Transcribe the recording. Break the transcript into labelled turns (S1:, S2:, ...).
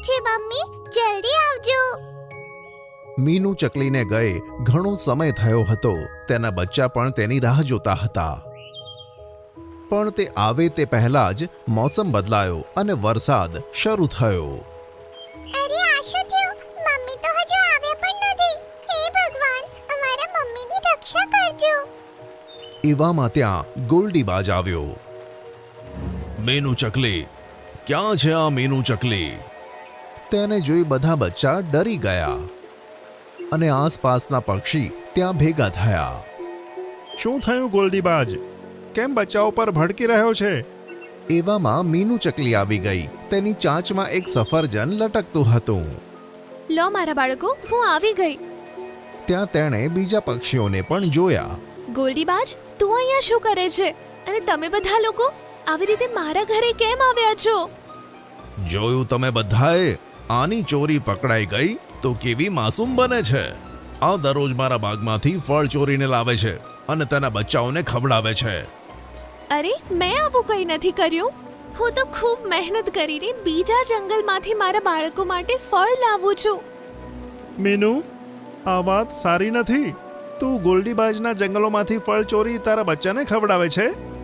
S1: છે મમ્મી, જલ્દી આવજો.
S2: મીનુ ચકલીને ગયે ઘણો સમય થયો હતો. તેના બચ્ચા પણ તેની રાહ જોતા હતા. પણ તે આવે તે પહેલા જ મોસમ બદલાયો અને વરસાદ શરૂ થયો.
S1: અરે આ શું થયું? મમ્મી તો હજુ આવ્યા પણ નથી. હે ભગવાન, અમારા મમ્મીની રક્ષા કરજો.
S2: એવામાં ત્યાં ગોલ્ડીબાજ આવ્યો. મીનુ ચકલી, ક્યાં છે આ મીનુ ચકલી? તેને જોઈ બધા બચ્ચા ડરી ગયા અને આસપાસના પક્ષી ત્યાં ભેગા થયા.
S3: શું થયું ગોલ્ડીબાજ? કેમ બચ્ચાઓ પર ભડકી રહ્યો છે?
S2: એવામાં મીનુ ચકલી આવી ગઈ. તેની ચાંચમાં એક સફરજન લટકતું હતું.
S4: લો મારા બાળકો, હું આવી ગઈ.
S2: ત્યાં તેણે બીજા પક્ષીઓને પણ જોયા.
S4: ગોલ્ડીબાજ, તું અહીંયા શું કરે છે? અને તમે બધા લોકો આવી રીતે મારા ઘરે કેમ આવ્યા છો?
S2: જોયું તમે બધાએ? આની ચોરી પકડાઈ ગઈ તો કેવી માસૂમ બને છે. આ દરરોજ મારા બાગમાંથી ફળ ચોરીને લાવે છે અને તેના બચ્ચાઓને ખવડાવે છે.
S4: અરે, મેં આવું કંઈ નથી કર્યું. હું તો ખૂબ મહેનત કરીને બીજા જંગલમાંથી મારા બાળકો માટે ફળ લાવું છું.
S3: મીનુ, આ વાત સારી નથી. તું ગોલ્ડીબાજના જંગલોમાંથી ફળ ચોરી તારા બચ્ચાને ખવડાવે છે.